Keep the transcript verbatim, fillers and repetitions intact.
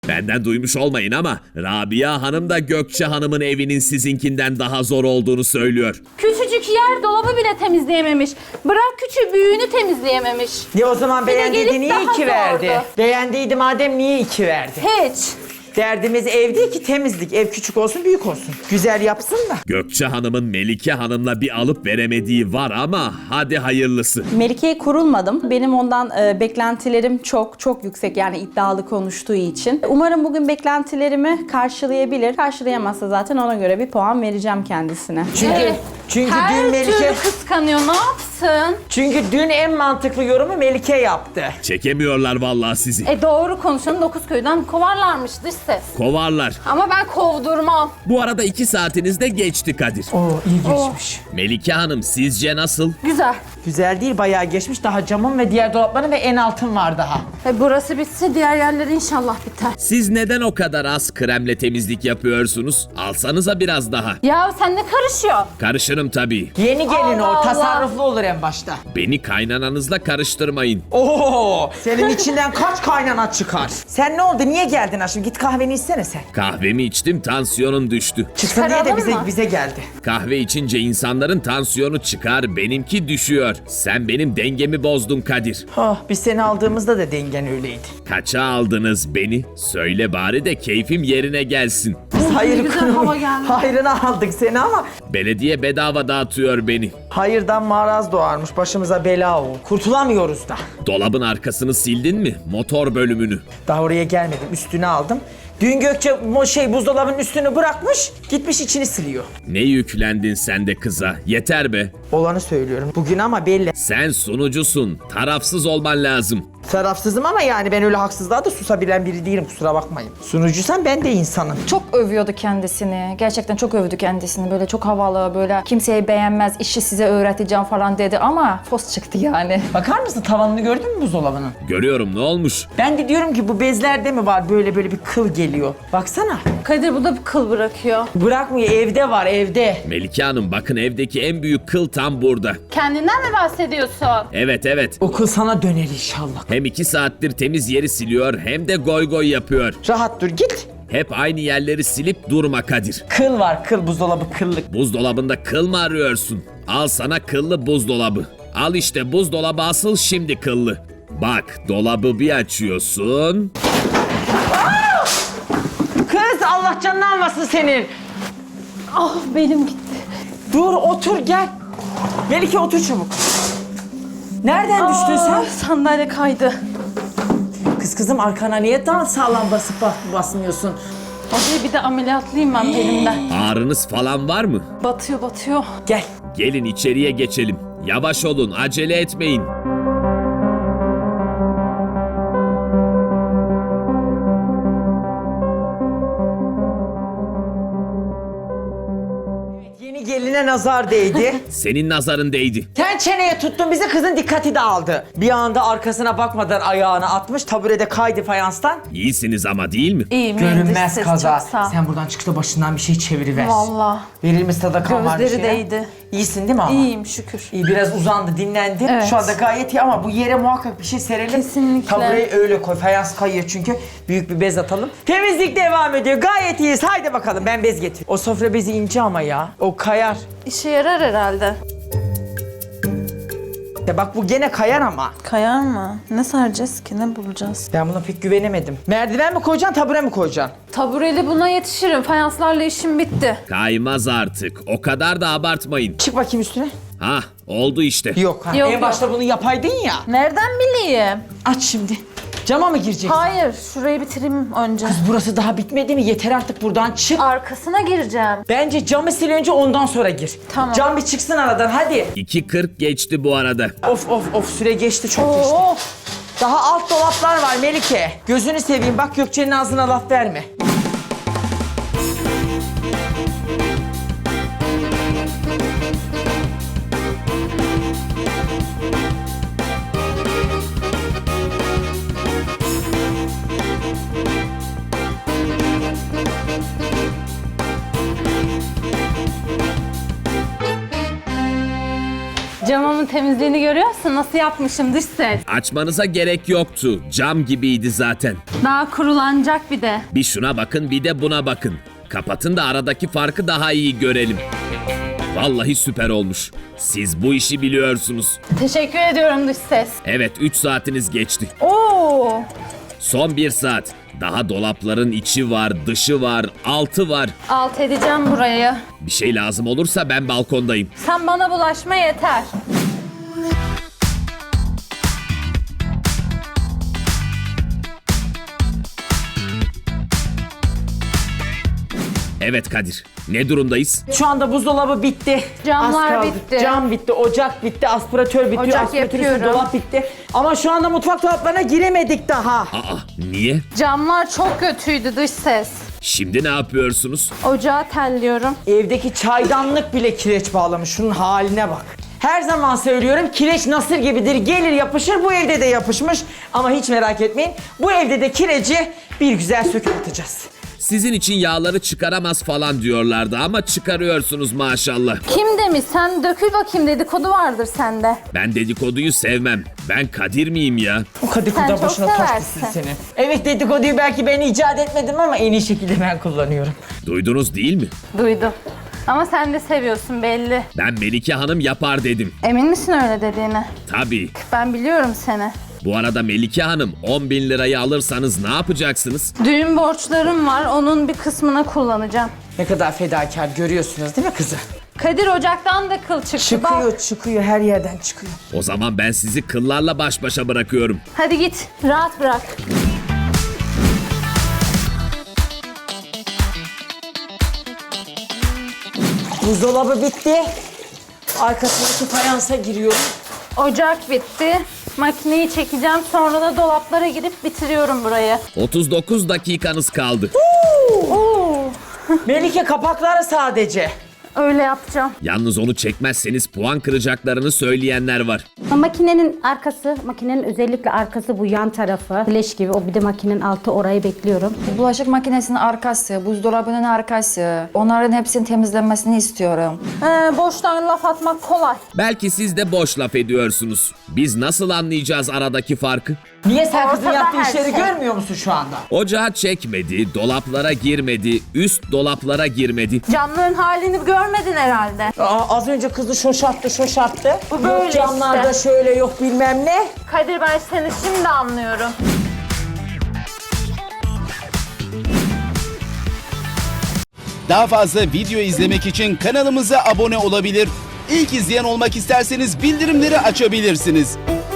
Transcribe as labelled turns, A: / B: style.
A: Benden duymuş olmayın ama Rabia Hanım da Gökçe Hanım'ın evinin sizinkinden daha zor olduğunu söylüyor.
B: Küçücük yer dolabı bile temizleyememiş. Bırak küçük büyüğünü temizleyememiş.
C: Ya o zaman
B: Bir de
C: beğendiydi
B: gelip
C: niye
B: daha
C: iki verdi?
B: zordu.
C: Beğendiydi madem niye iki verdi?
B: Hiç.
C: Derdimiz ev değil ki temizlik. Ev küçük olsun büyük olsun. Güzel yapsın da.
A: Gökçe Hanım'ın Melike Hanım'la bir alıp veremediği var ama hadi hayırlısı.
D: Melike'ye kurulmadım. Benim ondan e, beklentilerim çok çok yüksek, yani iddialı konuştuğu için. Umarım bugün beklentilerimi karşılayabilir. Karşılayamazsa zaten ona göre bir puan vereceğim kendisine.
C: Çünkü
B: Evet.
C: çünkü
B: Her
C: dün Melike
B: türlü kıskanıyor. Ne yapsın?
C: çünkü dün en mantıklı yorumu Melike yaptı.
A: Çekemiyorlar vallahi sizi.
B: E doğru konuşalım. Dokuz köyden kovarlarmış dış ses.
A: Kovarlar.
B: Ama ben kovdurmam.
A: Bu arada iki saatiniz de geçti Kadir.
C: Oo iyi geçmiş.
A: Melike Hanım sizce nasıl?
B: Güzel.
C: Güzel değil bayağı geçmiş. Daha camın ve diğer dolapların ve en altın var daha.
B: E burası bitse diğer yerler inşallah biter.
A: Siz neden o kadar az kremle temizlik yapıyorsunuz? Alsanıza biraz daha.
B: Ya sen ne karışıyor?
A: Karışırım tabii.
C: Yeni gelin
B: Allah
C: o
B: Allah.
C: tasarruflu olur en başta.
A: Beni kaynananızla karıştırmayın.
C: Oo senin içinden kaç kaynana çıkar? Sen ne oldu niye geldin aşkım? Git kahveni içsene sen.
A: Kahvemi içtim, tansiyonum düştü.
C: Çıksın diye de
B: Çıkaralım
C: bize,
B: mı?
C: bize geldi.
A: Kahve içince insanların tansiyonu çıkar, benimki düşüyor. Sen benim dengemi bozdun Kadir.
C: Oh, biz seni aldığımızda da dengen öyleydi.
A: Kaça aldınız beni? Söyle bari de keyfim yerine gelsin.
C: Biz hayır
B: güzel
C: kurumu-
B: hava geldi.
C: hayrına aldık seni ama
A: Belediye bedava dağıtıyor beni.
C: hayırdan maraz doğarmış. Başımıza bela o. Kurtulamıyoruz da.
A: Dolabın arkasını sildin mi? Motor bölümünü.
C: Daha oraya gelmedim. Üstüne aldım. Dün Gökçe mo- şey buzdolabının üstünü bırakmış. Gitmiş içini siliyor.
A: Ne yüklendin sen de kıza? Yeter be.
C: Olanı söylüyorum. Bugün ama belli.
A: Sen sunucusun. Tarafsız olman lazım.
C: Tarafsızım ama yani ben öyle haksızlığa da susabilen biri değilim kusura bakmayın. Sunucuysan ben de insanım.
E: Çok övüyordu kendisini. Gerçekten çok övdü kendisini. Böyle çok havalı, böyle kimseyi beğenmez, işi size öğreteceğim falan dedi ama fos çıktı yani.
C: Bakar mısın tavanını gördün mü buzdolabının?
A: Görüyorum, ne olmuş?
C: Ben de diyorum ki bu bezlerde mi var böyle böyle bir kıl geliyor. Baksana.
B: Kadir bu da bir kıl bırakıyor.
C: Bırakmıyor evde var evde.
A: Melike Hanım bakın evdeki en büyük kıl tam burada.
B: Kendinden mi bahsediyorsun?
A: Evet evet.
C: O kıl sana döner inşallah.
A: Hem iki saattir temiz yeri siliyor hem de goy goy yapıyor.
C: Rahat dur git.
A: Hep aynı yerleri silip durma Kadir.
C: Kıl var kıl buzdolabı kıllık.
A: Buzdolabında kıl mı arıyorsun? Al sana kıllı buzdolabı. Al işte buzdolabı asıl şimdi kıllı. Bak dolabı bir açıyorsun.
C: Kız Allah canını almasın senin.
B: Ah benim gitti.
C: Dur otur gel. Melike otur çabuk. Nereden düştün sen?
B: Ah, sandalye kaydı.
C: Kız kızım arkana niye daha sağlam basıp bas basmıyorsun?
B: Hadi bir de ameliyatlıyım ben belimden.
A: Ağrınız falan var mı?
B: Batıyor batıyor.
C: Gel.
A: Gelin içeriye geçelim. Yavaş olun, acele etmeyin.
C: Yeni geline nazar değdi.
A: Senin nazarın değdi.
C: Sen çeneye tuttun bizi kızın dikkati dağıldı. Bir anda arkasına bakmadan ayağını atmış taburede kaydı fayanstan.
A: İyisiniz ama değil mi?
B: İyiyim.
C: Görünmez
B: ses,
C: kaza.
B: çok sağ ol.
C: Sen buradan çık da başından bir şey çeviriver.
B: Vallahi.
C: Verilmiş sadakan var bir
B: Gözleri
C: şeyler.
B: değdi.
C: İyisin değil mi ama?
B: İyiyim şükür.
C: İyi biraz uzandı dinlendi.
B: Evet.
C: Şu anda gayet iyi ama bu yere muhakkak bir şey serelim.
B: Kesinlikle.
C: Tabureyi öyle koy. Fayans kayıyor çünkü. Büyük bir bez atalım. Temizlik devam ediyor. Gayet iyiyiz. Haydi bakalım ben bez getir. O sofra bezi ince ama ya. O kayar.
B: İşe yarar herhalde.
C: Ya bak bu gene kayar ama.
B: Kayar mı? Ne saracağız ki? Ne bulacağız?
C: Ben buna pek güvenemedim. Merdiven mi koyacaksın, tabure mi koyacaksın?
B: Tabureli buna yetişirim. Fayanslarla işim bitti.
A: Kaymaz artık. O kadar da abartmayın.
C: Çık bakayım üstüne.
A: Hah, oldu işte.
C: Yok. Ha.
B: Yok,
C: en
B: yok.
C: başta bunu yapaydın ya.
B: Nereden bileyim?
C: Aç şimdi. Cama mı gireceksin?
B: Hayır, şurayı bitireyim önce.
C: Kız burası daha bitmedi mi? Yeter artık buradan çık.
B: Arkasına gireceğim.
C: Bence camı sil önce ondan sonra gir.
B: Tamam.
C: Cam bir çıksın aradan hadi.
A: iki kırk geçti bu arada.
C: Of of of süre geçti çok geçti.
B: Oo.
C: Daha alt dolaplar var Melike. Gözünü seveyim bak Gökçe'nin ağzına laf verme.
B: Camımı Balkonumun temizliğini görüyorsun. Nasıl yapmışım dış ses.
A: Açmanıza gerek yoktu. Cam gibiydi zaten.
B: Daha kurulanacak bir de.
A: Bir şuna bakın bir de buna bakın. Kapatın da aradaki farkı daha iyi görelim. Vallahi süper olmuş. Siz bu işi biliyorsunuz.
B: Teşekkür ediyorum dış ses.
A: Evet üç saatiniz geçti.
B: Oo.
A: Son bir saat. Daha dolapların içi var, dışı var, altı var.
B: Alt edeceğim burayı.
A: Bir şey lazım olursa ben balkondayım.
B: Sen bana bulaşma yeter.
A: Evet Kadir. Ne durumdayız?
C: Şu anda buzdolabı bitti.
B: Camlar
C: Az kaldı.
B: bitti.
C: Cam bitti, ocak bitti, aspiratör bitiyor,
B: Ocak
C: aspiratör üstü
B: yapıyorum.
C: dolap bitti. Ama şu anda mutfak dolaplarına giremedik daha.
A: Aa, niye?
B: Camlar çok kötüydü dış ses.
A: Şimdi ne yapıyorsunuz?
B: Ocağı telliyorum.
C: Evdeki çaydanlık bile kireç bağlamış. Şunun haline bak. Her zaman söylüyorum kireç nasır gibidir. Gelir yapışır. Bu evde de yapışmış. Ama hiç merak etmeyin. Bu evde de kireci bir güzel söküp atacağız.
A: Sizin için yağları çıkaramaz falan diyorlardı ama çıkarıyorsunuz maşallah.
B: Kim demiş? Sen dökül bakayım, dedikodu vardır sende.
A: Ben dedikoduyu sevmem. Ben Kadir miyim ya?
C: O
B: Sen
C: dedikodu
B: çok
C: başına taş
B: seversin.
C: düşsün senin. Evet dedikoduyu belki ben icat etmedim ama en iyi şekilde ben kullanıyorum.
A: Duydunuz değil mi?
B: Duydum. Ama sen de seviyorsun belli.
A: Ben Melike Hanım yapar dedim.
B: Emin misin öyle dediğine?
A: Tabii.
B: Ben biliyorum seni.
A: Bu arada Melike Hanım on bin lirayı alırsanız ne yapacaksınız?
B: Düğün borçlarım var, onun bir kısmını kullanacağım.
C: Ne kadar fedakar görüyorsunuz değil mi kızı?
B: Kadir ocaktan da kıl çıktı. Bak.
C: Çıkıyor çıkıyor her yerden çıkıyor.
A: O zaman ben sizi kıllarla baş başa bırakıyorum.
B: Hadi git, rahat bırak.
C: Buzdolabı bitti. Arkasındaki fayansa giriyorum.
B: Ocak bitti. Makineyi çekeceğim, sonra da dolaplara girip bitiriyorum burayı.
A: otuz dokuz dakikanız kaldı.
B: Oo,
C: Melike kapakları sadece.
B: öyle yapacağım.
A: Yalnız onu çekmezseniz puan kıracaklarını söyleyenler var.
F: Makinenin arkası, makinenin özellikle arkası bu yan tarafı. Flash gibi. O bir de makinenin altı, orayı bekliyorum.
E: Bulaşık makinesinin arkası, buzdolabının arkası. Onların hepsinin temizlenmesini istiyorum.
B: Ee, boştan laf atmak kolay.
A: Belki siz de boş laf ediyorsunuz. Biz nasıl anlayacağız aradaki farkı?
C: Niye sen kızın
B: Ortada
C: yaptığı
B: her
C: işleri
B: şey.
C: görmüyor musun şu anda?
A: Ocağı çekmedi, dolaplara girmedi, üst dolaplara girmedi.
B: Camların halini görmedin herhalde.
C: Aa, az önce kızı şoşarttı şoşarttı.
B: Bu böyle
C: yok camlarda
B: işte.
C: şöyle yok bilmem ne.
B: Kadir, ben seni şimdi anlıyorum.
G: Daha fazla video izlemek için kanalımıza abone olabilir. İlk izleyen olmak isterseniz bildirimleri açabilirsiniz.